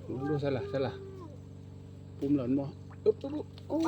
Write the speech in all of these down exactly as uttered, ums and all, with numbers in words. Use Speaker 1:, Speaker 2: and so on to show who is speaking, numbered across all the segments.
Speaker 1: ดูสละสละปุ่มหล่นบ่อึ๊บปุ๊บโอ้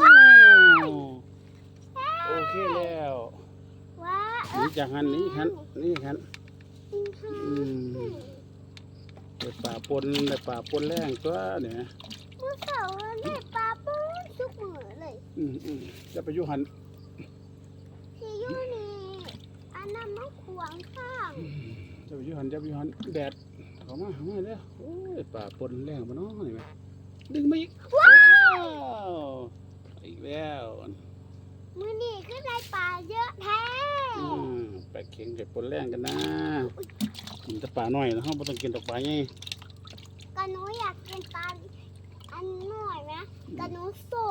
Speaker 1: โอเคแล้ว
Speaker 2: ว้า
Speaker 1: นี่จากหันนี่หันนี่หันอืมได้ป่าปนได้ป่าปนแรงตัวเนี่ย
Speaker 2: เมื่อเสาร์ได้ปลาปูทุกมื้อเลย
Speaker 1: อืมอืมจะไปอยู่หัน
Speaker 2: ที่อยู่นี่อันนั้นมันขวางข้าง
Speaker 1: จะไปอยู่หันจะไปอยู่หันแดดเข้ามาเข้ามาแล้วโอ้ยป่าปนแรงมาเนาะนี่ไหมดึงมาอีกว้าวอีกแล้ว
Speaker 2: มื้อนี้ก็ได้ปลาเยอะแท้
Speaker 1: อืมแปลกเข็งเก็บปนแรงกันนะกินแต่ปลาหน่อยนะฮะไม่ต้องกินแต่ปลาใหญ่
Speaker 2: กะหนูอยากกินปลาอันหน่อยไหมกะหนูโซ่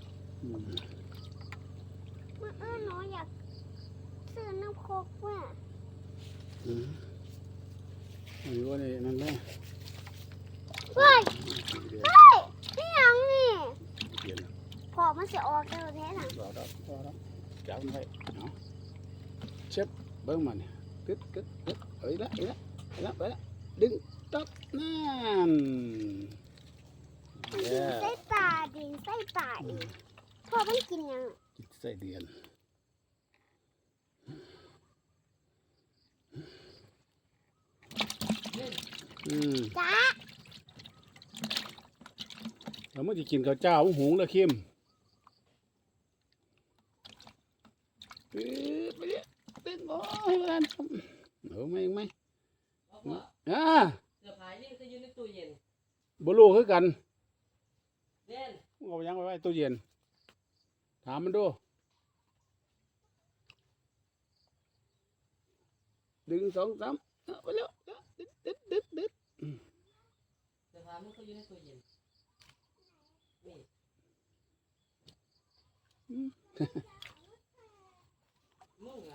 Speaker 2: เมื่อเออหนูอยากซื้อน้ำโคกว่ะ
Speaker 1: อืมอันนี้ว่าเนี่ยนั่นแหละ
Speaker 2: เฮ้ยเฮ้ยนี่ยังนี่
Speaker 1: เปลี่ยน
Speaker 2: พอมันจะออกแล้วแท้หนัง
Speaker 1: รอรับรอรับจับมันไว้เนาะเช็บเบิ้งมันกึดกึดกึดเอ้ยละเอ้ยละเอ้ยละไปละดึงตับนั่น
Speaker 2: ดินใส่ปลาดินใส่ปลาอีกพอมันกินยัง
Speaker 1: กินใส่เดือนอืม
Speaker 2: จ้า
Speaker 1: แล้วมันจะกินข้าวเจ้าหุงแล้วเข้มไปเนี่ยตึ้งโอ้ยมันเอาไหมไหมอ่า
Speaker 3: เสื้อผ้านี่ก็อยู่ในตู้เย็น
Speaker 1: บลูคือกัน
Speaker 3: เด่น
Speaker 1: เอายังไว้ไว้ตู้เย็นถามมันดูดึงสองสามไปแล้วดึดดึดดึดดึด
Speaker 3: เสื้อผ้ามันก็อยู่ในตู้เย็นนี่มึงอ่ะ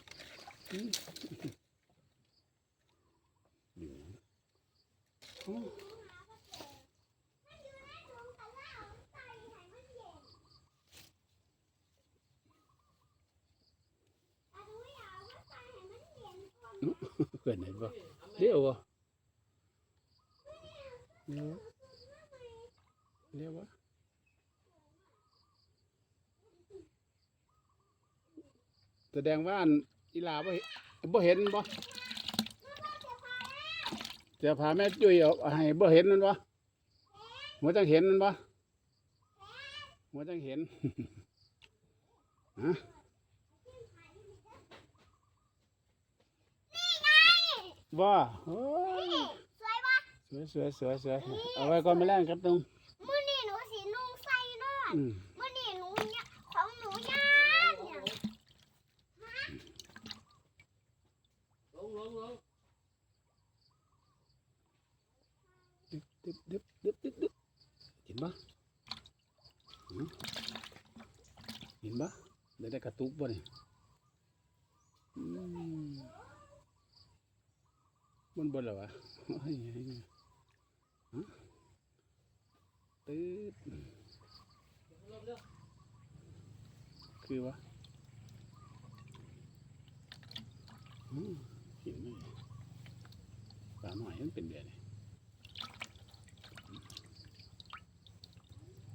Speaker 1: เกิดไหนบ่เลี้ยวบ่เลี้ยวเลี้ยวบ่แสดงว่าอีลาบ่บ่เห็นบ่จะพาแม่จุ้ยเอาให้บ่เห็นนั่นบ่หัวจังเห็นนั่นบ่หัวจังเห็นฮะบ่โอ้ย
Speaker 2: สวยปะ
Speaker 1: สวยสวยสวยสวยเอาไว้ก่อนไม่แรงครับตรง
Speaker 2: มื้อนี้หนูสีนุ่งใส่นอนมื้อนี้หนูเนี่ยของหนูย่างเนี่ย
Speaker 3: ลงลงลง
Speaker 1: ดึบดึบดึบดึบดึบเห็นปะเห็นปะได้ได้กระตุกป่ะเนี่ยบนบนเหรอวะตืดคือวะเห็นไหมปลาหน่อยมันเป็นเดือน